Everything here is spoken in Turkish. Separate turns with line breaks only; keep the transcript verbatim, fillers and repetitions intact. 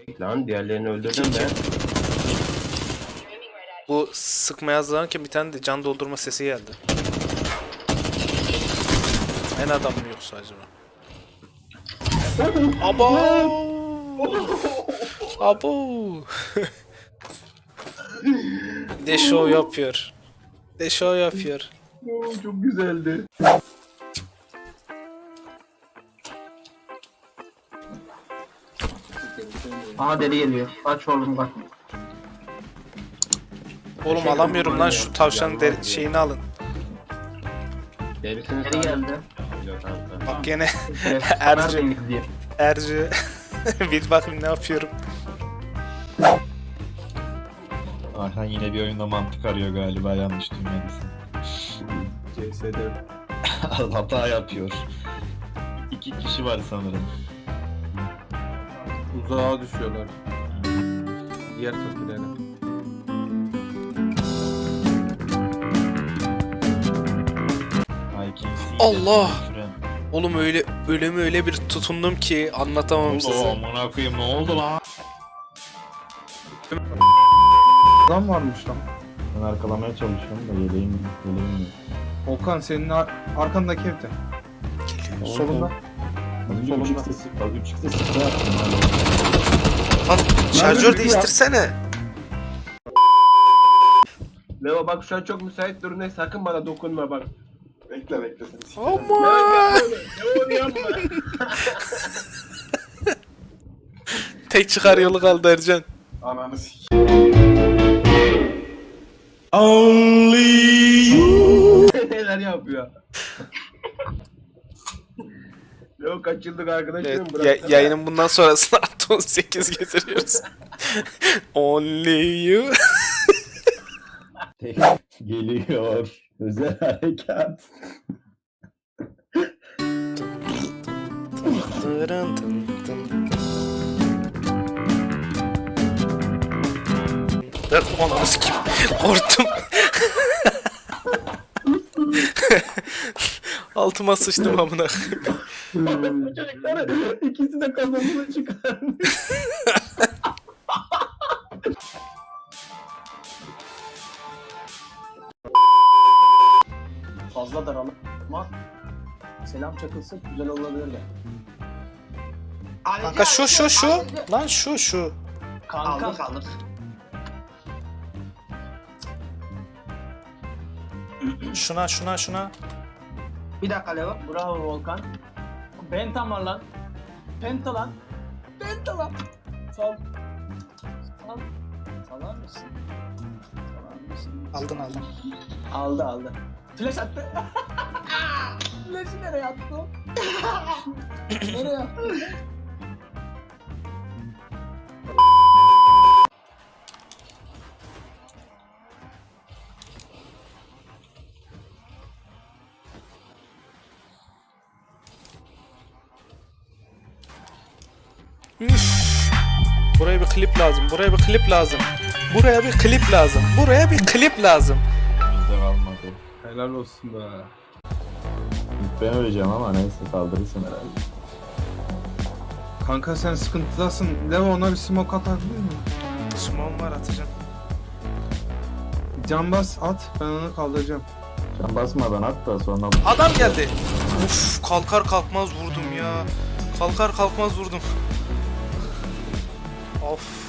Lan diğerlerini öldürdüm ben.
Bu sıkmaya hazırlanırken bir tane de can doldurma sesi geldi. En adam mı yoksa acaba? Abo! Abo! De show yapıyor. De show yapıyor.
Oo, çok güzeldi.
Aha deli geliyor. Aç oğlum bak.
Oğlum alamıyorum lan şu tavşanın deri- şeyini alın.
Derisini
Deli geldi.
Yok kanka.
Bak gene
Evet,
Ercü.
ben de gidiyor.
Ercü. Bir bakayım ne yapıyorum.
Arhan yine bir oyunda mantık arıyor galiba, yanlış dünyadasın.
C S'de
Hata yapıyor. İki kişi var sanırım.
Uzağa düşüyorlar. Diğer tokilere.
I can see
Allah!
that, friend.
Oğlum öyle ölümü öyle bir tutundum ki anlatamam
Oo,
size.
amına koyayım, ne oldu lan?
Adam varmış lan.
Ben arkalamaya çalışıyorum da yeleğim, yeleğim yok.
Okan senin ar arkandaki evde. Solunda.
Az önce
Solunda.
üç x'e sık, az üç x'e sık yaptım hala.
Lan şarjör değiştirsene.
Leo bak şu an çok müsait durumda, sakın bana dokunma bak.
Bekle bekle seni.
Aman!
Leo diyor mu?
Tek çıkar yolu kaldı Ercan.
Ananı sik.
Neler yapıyor? Leo kaç yıllık arkadaşım
Evet,
bırak.
ya- yayının bundan sonrasını artı on sekiz getiriyoruz. Only you.
Geliyor. Özel harekat.
Tırın tın tın. Ben ananı sikeyim. Korktum. Altıma sıçtım amına.
Çocuklar ikisi de kafasını çıkarmış.
Fazla daralım. Ama selam çakılsın güzel olabilir de.
Kanka şu şu şu. Lan şu şu.
Kanka kalır.
Şuna şuna şuna.
Bir dakika Leo. Bravo Volkan. Penta var lan. Penta lan. Penta lan. Sal. Sal. Salar mısın? Salar mısın?
Aldın aldın.
Aldı aldı. Flash attı. Flash'ı nereye attı o? Nereye attı?
Üf. Buraya bir klip lazım. Buraya bir klip lazım. Buraya bir klip lazım. Buraya bir klip lazım.
Bizde kalmadı.
Helal olsun be.
İlk ben öleceğim ama neyse, kaldırırsın herhalde.
Kanka sen sıkıntıdasın. Leo ona bir smoke atabilir mi?
Smoke'um var atacağım.
Can bas at. Ben onu kaldıracağım.
Can basmadan at da sonra...
Adam geldi. Uf, kalkar kalkmaz vurdum ya. Kalkar kalkmaz vurdum. Of.